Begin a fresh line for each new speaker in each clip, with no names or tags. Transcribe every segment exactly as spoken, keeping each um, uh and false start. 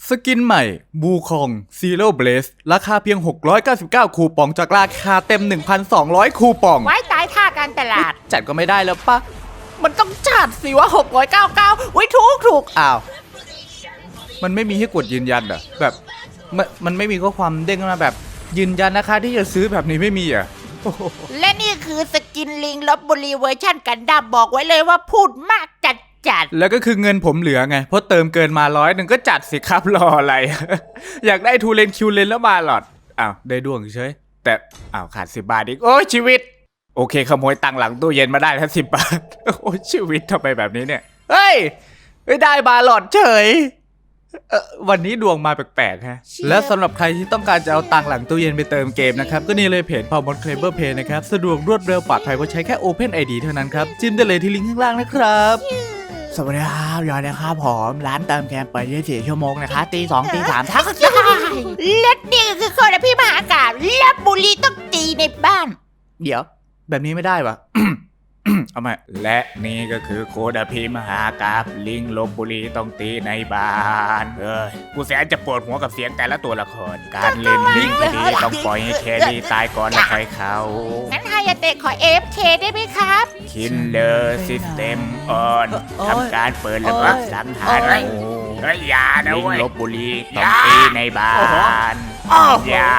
สกินใหม่บูคองซีโร่เบลสราคาเพียงหกร้อยเก้าสิบเก้าคูปองจากราคาเต็ม หนึ่งพันสองร้อย คูปอง
ไว้ตายท่าการตลาด
จัดก็ไม่ได้แล้วปะมันต้องจัดสิว่าหกร้อยเก้าสิบเก้าไว้ถูกถูกอ้าวมันไม่มีให้กดยืนยันเหรอแบบมันมันไม่มีข้อความเด้งมาแบบยืนยันนะคะที่จะซื้อแบบนี้ไม่มีอ่ะ
และนี่คือสกินลิงลบบุรีเวอร์ชั่นกันดั้มบอกไว้เลยว่าพูดมากจัดจัด
แล้วก็คือเงินผมเหลือไงเพราะเติมเกินมาร้อยหนึ่งก็จัดสิครับรออะไร อยากได้ทูเลนคิวเลนแล้วมาหลอดอ้าวได้ดวงเฉยแต่อ้าวขาดสิบบาทอีกโอ้ยชีวิตโอเคขโมยตังค์หลังตู้เย็นมาได้แค่สิบบาทโอ้ยชีวิตทำไมแบบนี้เนี่ยเฮ้ยไม่ได้บาหลอดเฉยเออวันนี้ดวงมาแปลกๆฮะและสำหรับใครที่ต้องการจะเอาตังค์หลังตู้เย็นไปเติมเกมนะครับก็นี่เลยเพจพาวมอนเคลเบอร์เพย์นะครับสะดวกรวดเร็วปลอดภัยเพราะใช้แค่ Open ไอ ดี เท่านั้นครับจิ้มได้เลยที่ลิงก์ข้างล่างนะครับ
สวัสดีครับยอดนะครับผมร้านเติมเกมเปิดยี่สิบสี่ชั่วโมงนะคะตีสองตีสามทักได้
และนี่คือโคตรพี่มหากาพย์ลบบุรีต้องตีในบ้าน
เดี๋ยวแบบนี้ไม่ได้วะ เอามาและนี่ก็คือโคดพีมหากาพย์ลิงลบบุรีต้องตีในบ้านเอ้ยกูแสนจะปวดหัวกับเสียงแต่ละตัวละครการเล่นลิงดีต้องปล่อยให้แครี่ตายก่อนแล้วค่อยเข้า
งั้นฮายาเตะขอ เอฟ เค ได้ไหมครับ
คินเลอร์ซิสเต็มออนทำการเปิดระเบิดสังหารเฮ้ยอย่านะเว้ยลิงลบบุรีต้องตีในบ้านอย่า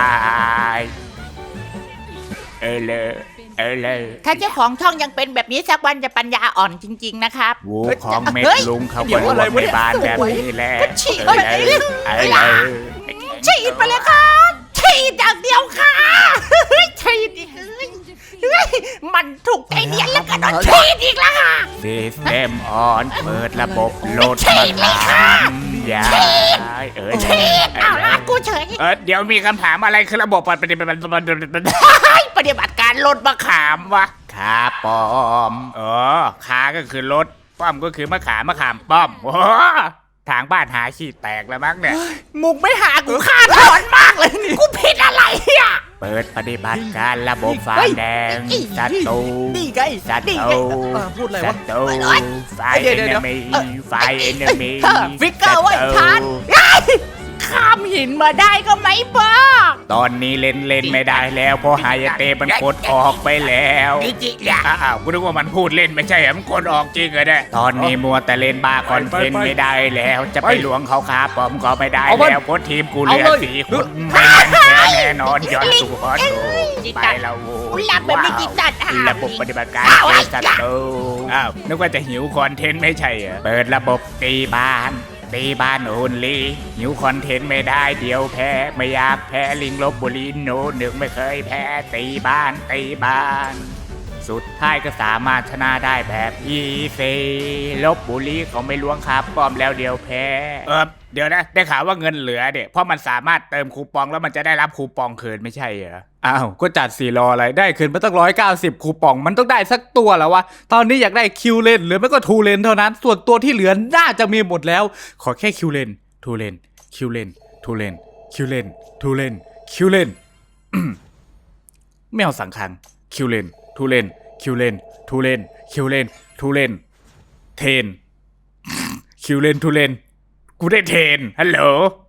เออเลยเออเลย
ถ้าเจ้าของช่องยังเป็นแบบนี้สักวันจะปัญญาอ่อนจริงๆนะครับ
วูของเม็ดลุงเขาก็รวมในบ้านแบบนี้แหละ
ฉีดไปเลยฉีดไปเลยครับฉีดอย่างเดียวค่ะฉีดอีกมันถูกไอเดียแล้วกันฉีดอีกแล้วค่ะ
ซิสเต็มออนเปิดระบบโหลดมาทำอย่าเออ
ฉีดเอาละกูเฉย
เออเดี๋ยวมีคำถามอะไรคือระบบปฏิบัติ
ปฏิบัติการลดมะขามวะ
ขาป้อมอ๋อขาก็คือรถป้อมก็คือมะขามมะขามป้อมโอ้ทางบ้านหาขี้แตกแล้วมั้งเนี่ย
มุกไม่หากูฆ่าถอนมากเลยนี่กูผิดอะไรอ่ะ
เปิดปฏิบัติการระบบฟ้าแดงศัตรู
นี่ไง
ศัตรู
พูดอะไรวะ
ศัตรูไฟเอนเนมีไฟเอนเนมี
ฟิกเกอร์ไว้ทันข้ามหินมาได้ก็ไม่บ้า
ตอนนี้เล่นเล่นไม่ได้แล้วเพราะไฮยาเตมันกดออกไปแล้วอ้าวกูนึกว่ามันพูดเล่นไม่ใช่เหรอมันกดออกจริงเหรอเนี่ยตอนนี้มัวแต่เล่นบาคอนเทนต์ไม่ได้แล้วจะไปหลวงเขาขาปอมก็ไม่ได้แล้วเพราะทีมกูเหลือสี่คนไม่งั้นแน่นอนย้อนสู่ฮอตไปแล้ว
หลับแบบไม่จิตจัด
ระบบปฏิบัติการเจอศัตรูอ้าวนึกว่าจะหิวคอนเทนต์ไม่ใช่เหรอเปิดระบบตีบ้านตีบ้านโอนลีหิวคอนเทนต์ไม่ได้เดี๋ยวแพ้ไม่อยากแพ้ลิงลบบุรีโนหนึ่งไม่เคยแพ้ตีบ้านตีบ้านสุดท้ายก็สามารถชนะได้แบบอีซีลบบุรีเขาไม่ล้วงครับป้อมแล้วเดี๋ยวแพ้เออเดี๋ยวนะได้ข่าวว่าเงินเหลือเด็เพราะมันสามารถเติมคูปองแล้วมันจะได้รับคูปองคืนไม่ใช่เหรออ้าวก็จัดสี่รออะไรได้คืนมาตั้งร้อยเก้าสิบคูปองมันต้องได้สักตัวแล้ววะตอนนี้อยากได้คิวเลนหรือไม่ก็ทูเลนเท่านั้นส่วนตัวที่เหลือน่าจะมีหมดแล้วขอแค่คิวเลนทูเลนคิวเลนทูเลนคิวเลนทูเลนคิวเลนไม่เอาสังคังคิวเลนทูเลนคิวเลนทูเลนคิวเลนทูเลนเทนคิวเลนทูเลนกูได้เทนฮัลโหล